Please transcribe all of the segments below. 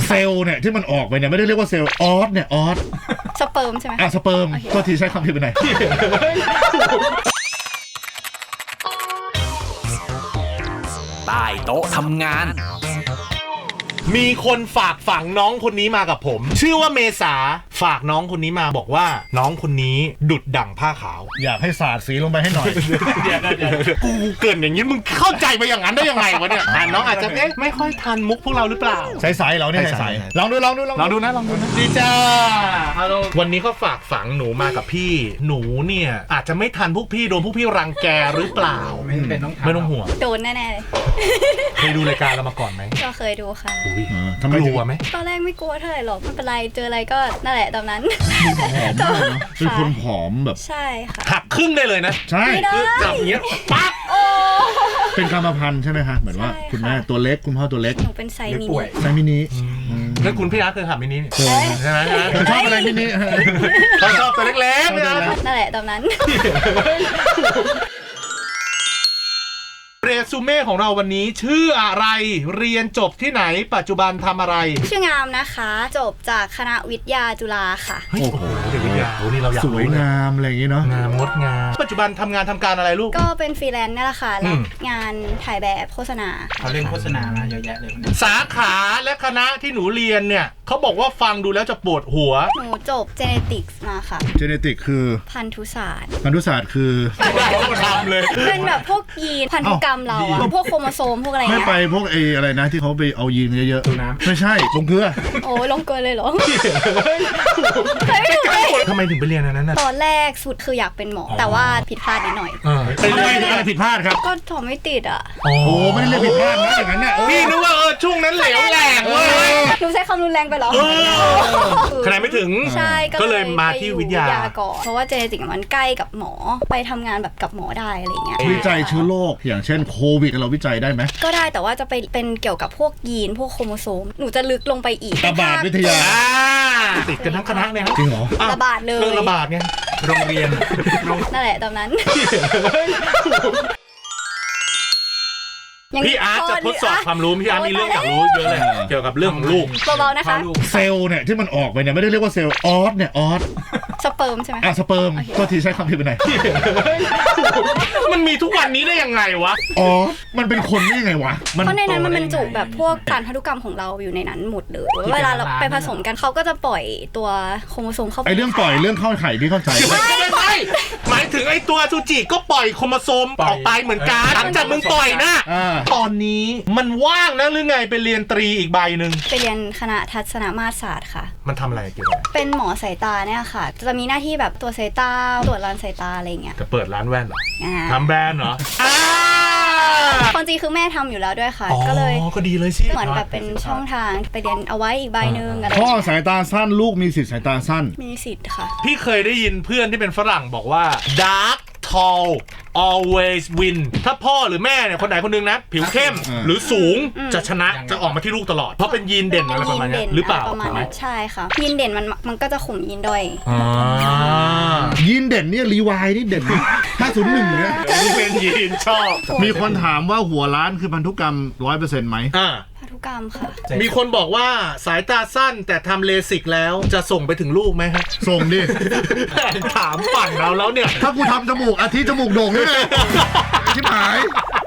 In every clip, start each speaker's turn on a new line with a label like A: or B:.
A: เซลล์เนี่ยที่มันออกไปเนี่ยไม่ได้เรียกว่าเซลล์ออสเนี่ยออส
B: สเปิร์มใช่ไหม
A: สเปิร์มก็ทีใช้คำผิดไปไหน
C: ใต้โต๊ะทำงาน
D: มีคนฝากฝังน้องคนนี้มากับผมชื่อว่าเมษาฝากน้องคนนี้มาบอกว่าน้องคนนี้ดุดดั่งผ้าขาว
A: อยากให้สาดสีลงไปให้หน่อย
D: กูเกินอย่างนี้มึงเข้าใจไปอย่างนั้นได้ยังไงวะเนี่ยน้องอาจจะไม่ค่อยทันมุกพวกเราหรือเปล่า
A: ใสๆเราเนี่ยใสๆลองดูนะ
D: ดีจ้าวันนี้เขาฝากฝังหนูมากับพี่หนูเนี่ยอาจจะไม่ทันพวกพี่โดนพวกพี่รังแกหรือเปล่าไม่ต้องห่วง
B: โดนแน่ๆเลย
D: เคยดูรายการเรามาก่อนไหม
B: ก็เคยดูค่ะ
A: ทำไม
D: กลัวไหม
B: ตอนแรกไม่กลัวเท่าไหร่หรอกไม่เป็นไรเจออะไรก็นั่นแหละตอนนั้น
A: ผอมมากเนาะเป็นคนผอมแบบ
B: ใช่ค่ะ
D: หักครึ่งได้เลยนะ
A: ใช่
D: คือจับอย่างเงี้ยปั๊บ
A: เป็นกรรมพันธุ์ใช่ไหมคะเหมือนว่าคุณแม่ตัวเล็กคุณพ่อตัวเล็ก
B: หนูเป็นไซ
A: มินิ
D: แล้วคุณพี่อาร์ตเคยขับมินิใช่ไหม
A: ชอบอะไรมินิ
D: ชอบตัวเล็กๆ
B: นั่นแหละตอนนั้น
D: เรซูเม่ของเราวันนี้ชื่ออะไรเรียนจบที่ไหนปัจจุบันทำอะไร
B: ชื่องามนะคะจบจากคณะวิทยาจุฬาค่ะ
A: โอ้โห
D: เด็กวิทยานี่เราอยาก
A: สวยงามอะไรอย่างงี้เนาะ
D: งามงดงามปัจจุบันทำงานทำการอะไรลูก
B: ก็เป็นฟรีแลนซ์นี่แหละค่ะรับงานถ่ายแบบโฆษณา
C: เขาเล่นโฆษณามาเยอะแยะเลย
D: สาขาและคณะที่หนูเรียนเนี่ยเขาบอกว่าฟังดูแล้วจะปวดหัว
B: หนูจบ Genetics มาค่ะ
A: Genetics คือ
B: พันธุศาสตร์
A: คือ
D: ทำเลย
B: เป็นแบบพวกยีนพันธุกรรมเราอะพวกโครโมโซมพวกอะไร
A: ไม่ไปพวกอะไรนะที่เขาไปเอายีนเยอะๆน้ำไม่ใช่ลงเกลือ
B: โอ้ลงเกลือเลยเหรอ
D: ทำไมถึงไปเรียนอันนั้น
B: ตอนแรกสุดคืออยากเป็นหมอแต่ว่าผิดพลาดนิดหน่อย
A: เป็นอะไรผิดพลาดครับ
B: ก็สอบไม่ติดอ่ะ
A: โอ้ไม่ได้เรียกผิดพลาดนะอย่างนั้นเนี่ย
D: พี่นึกว่าช่วงนั้นเหลวแหลกเลย
B: หนูใช้คำรุนแรงไปหรอ
D: คะแนนไม่ถึง
B: ใช่
D: ก็เลยมาที่วิทยา
B: ก่อนเพราะว่าเจเนติกมันใกล้กับหมอไปทำงานแบบกับหมอได้อะไรเงี้ย
A: วิจัยเชื้อโรคอย่างเช่นโควิดเราวิจัยได้ไหม
B: ก็ได้แต่ว่าจะไปเป็นเกี่ยวกับพวกยีนพวกโครโมโซมหนูจะลึกลงไปอีก
A: ระบาดวิทยา
D: ติดกันทั้งคณะเลย
A: จริงเหรอ
B: ระบาดเลย
D: เรื่องระบาดไงโรงเรียน
B: นั่นแหละตอนนั้น
D: พี่อาร์ตจะทดสอบความรู้พี่อาร์ตมีเรื่องอยากรู้เยอะเลยเกี่ยวกับเรื่องของลูก
B: เบาๆนะคะ
A: เซลล์เนี่ยที่มันออกไปเนี่ยไม่ได้เรียกว่าเซลล์ออสเนี่ยออส
B: สเปิร์มใช่ไหม
A: สเปิร์มก็ทีใช้คำผิดไปไหน
D: มันมีทุกวันนี้ได้ยังไงวะ
A: มันเป็นคนได้ยังไงวะ
B: เพราะในนั้นมันบรรจุแบบพวกสารพันธุกรรมของเราอยู่ในนั้นหมดเลยเวลาเราไปผสมกันเขาก็จะปล่อยตัวโครโมโซมเข้าไป
A: เรื่องปล่อยเรื่องเข้าไข่ที่เข้าใจ
D: ไม่หมายถึงไอ้ตัวซูจิก็ปล่อยโครโมโซมออกไปเหมือนกันหลังจากมึงปล่อยนะตอนนี้มันว่างนะหรือไงไปเรียนตรีอีกใบหนึ่ง
B: ไปเรียนคณะทัศนมาตรศาสตร์ค่ะ
D: มันทำอะไรเกี่ยวกับ
B: เป็นหมอสายตาเนี่ยค่ะจะมีหน้าที่แบบตรวจสายตาตรวจร้านสายตาอะไรเงี้ย
D: จะเปิดร้านแว่นเหรอทำแบรนด์เหรอ
B: คนจริงคือแม่ทำอยู่แล้วด้วยค่ะก็เลย
D: ก็ดีเลยสิ
B: เหมือนแบบเป็นช่องทางไปเรียนเอาไว้อีกใบหนึ่งอะไร
A: พ่อสายตาสั้นลูกมีสิทธิ์สายตาสั้น
B: มีสิทธิ์ค่ะ
D: พี่เคยได้ยินเพื่อนที่เป็นฝรั่งบอกว่า dark tall always win ถ้าพ่อหรือแม่เนี่ยคนไหนคนนึงนะผิวเข้มหรือสูงจะชนะจะออกมาที่ลูกตลอดเพราะเป็นยีนเด่นอะไรประมาณนี้หรือเปล่า
B: ประมาณนั้นใช่ค่ะยีนเด่นมันก็จะข่มยีนด้อย
A: ยีนเด่นเนี่ยรีวายนี่เด่น501เนี่ย
D: เป็นยีนชอบ
A: มีคนถามว่าหัวล้านคือพันธุกรรม 100% ไหม
B: พันธุกรรมค่ะ
D: มีคนบอกว่าสายตาสั้นแต่ทำเลสิกแล้วจะส่งไปถึงลูกไหมฮะ
A: ส่งดิ
D: ถามปั่นเราแล้วเนี่ย
A: ถ้ากูทำจมูกอาทิตย์จมูกโด่งเลยชิบหาย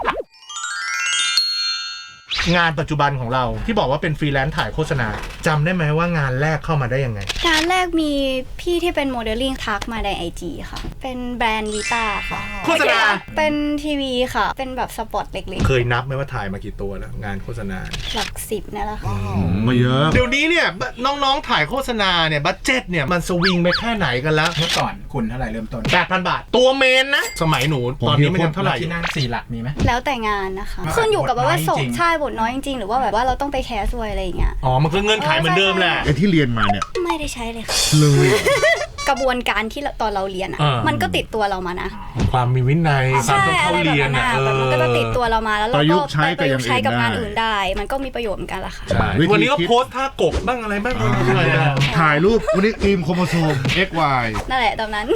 D: งานปัจจุบันของเราที่บอกว่าเป็นฟรีแลนซ์ถ่ายโฆษณาจำได้ไหมว่างานแรกเข้ามาได้ยังไง
B: งานแรกมีพี่ที่เป็นโมเดลลิ่งทักมาใน IG ค่ะเป็นแบรนด์วีต้าค่ะ
D: โฆษณา
B: เป็นทีวีค่ะเป็นแบบสปอตเล็ก
D: ๆเคยนับไหมว่าถ่ายมากี่ตัวแล้วงานโฆษณา
B: หลัก10นี่แหละค่ะ
A: มาเยอะ
D: เดี๋ยวนี้เนี่ยน้องๆถ่ายโฆษณาเนี่ยบัดเจ็ตเนี่ยมันสวิงไปแค่ไหนกันแล้ว
C: เมื่อก่อนคุณเท่าไหร่เริ่มต้น
D: 8,000 บาทตัวเมนนะสมัยหนูตอนนี้มันเท่าไหร่
C: ที่นั่ง4หลักมีไหม
B: แล้วแต่งานนะคะขึ้นอยู่กับว่าส่งใช่บทน้อยจริงๆหรือว่าแบบว่าเราต้องไปแคสด้วยอะไรอย่างเงี้ย
D: มันก็เงื่อนไขเหมือนเดิมแหละ
A: ไอ้ที่เรียนมาเนี่ย
B: ไม่ได้ใช้เลยค่ะ
A: เลย
B: กระบวนการที่ตอนเราเรียนมันก็ติดตัวเรามานะ
D: ความมีวินัยความต้องเข้าเรียน
B: มันก็จะติดตัวเรามาแล้วเราก็
A: ใช้
B: กับงานอื่นได้มันก็มีประโยชน์เหมือนกันละค่ะ
D: วันนี้ก็โพสท่ากบบ้างอะไรบ้าง
A: ถ่ายรูปวันนี้ทีมโครโมโซม XY
B: นั่นแหละตอนนั้น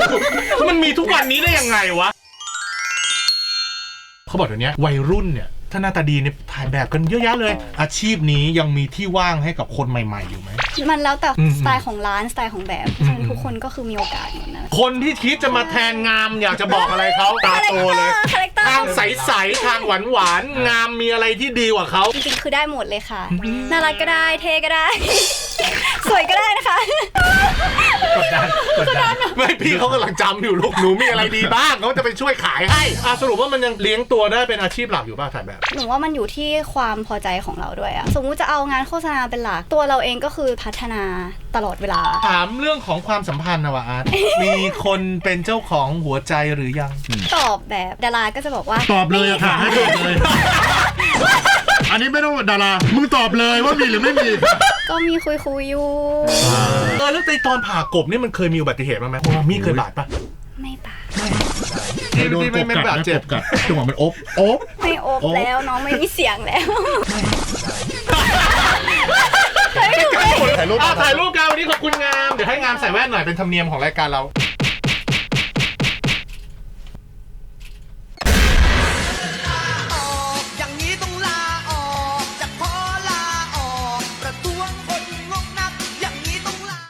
D: มันมีทุกวันนี้ได้ยังไงวะเขาบอกเดี๋ยวนี้วัยรุ่นเนี่ยถ้าหน้าตาดีเนี่ยถ่ายแบบกันเยอะแยะเลย อาชีพนี้ยังมีที่ว่างให้กับคนใหม่ๆอยู่ไหม
B: มันแล้วแต่
D: อืม
B: สไตล์ของร้านสไตล์ของแบบเพราะฉะนั้นทุกคนก็คือมีโอกาสหมดนะ
D: คนที่คิดจะมาแทนงามอยากจะบอกอะไรเขาตาโตเลย
B: คาแรคเตอร์
D: ทางใสๆทางหวานๆงามมีอะไรที่ดีกว่าเขา
B: จริงๆคือได้หมดเลยค่ะน่ารักก็ได้เท่ก็ได้ สวยก็ได้นะคะ
C: กดดัน
D: ไม่พี่เขากำลังจำอยู่ลูกหนูมีอะไรดีบ้างเขาจะไปช่วยขายให้สรุปว่ามันยังเลี้ยงตัวได้เป็นอาชีพหลักอยู่ป่ะถ่ายแบบ
B: หนูว่ามันอยู่ที่ความพอใจของเราด้วยอะสมมุติจะเอางานโฆษณาเป็นหลักตัวเราเองก็คือพัฒนาตลอดเวลา
D: ถามเรื่องของความสัมพันธ์นะวะอาร์ต มีคนเป็นเจ้าของหัวใจหรือยัง
B: ตอบแบบดาราก็จะบอกว่า
A: ตอบเลยอะค่ะให้ตอบเลย อันนี้ไม่ต้องดารา มึงตอบเลยว่ามีหรือไม่มี
B: ก็มีคุยอยู่
D: แล้วในตอนผ่ากบนี่มันเคยมีอุบัติเหตุบ้างไหมมีเคยบาดปะ
B: ไม่ปะ
D: ที่
A: โดน
D: ที่
A: ก
D: ไม่
A: บ
D: ไม่
A: กัด
D: บาด
A: นะ
D: เจ็บ
A: กบกัดจังหวะมันอบ
B: ไม่อบ
A: โอ๊ะ
B: แล้วน้องไม่มีเสียงแล้ว
A: ถ่ายรูป
D: ถ่ายรูปกันวันนี้ขอบคุณงาม เดี๋ยวให้งามใส่แว่นหน่อยเป็นธรรมเนียมของรายการเรา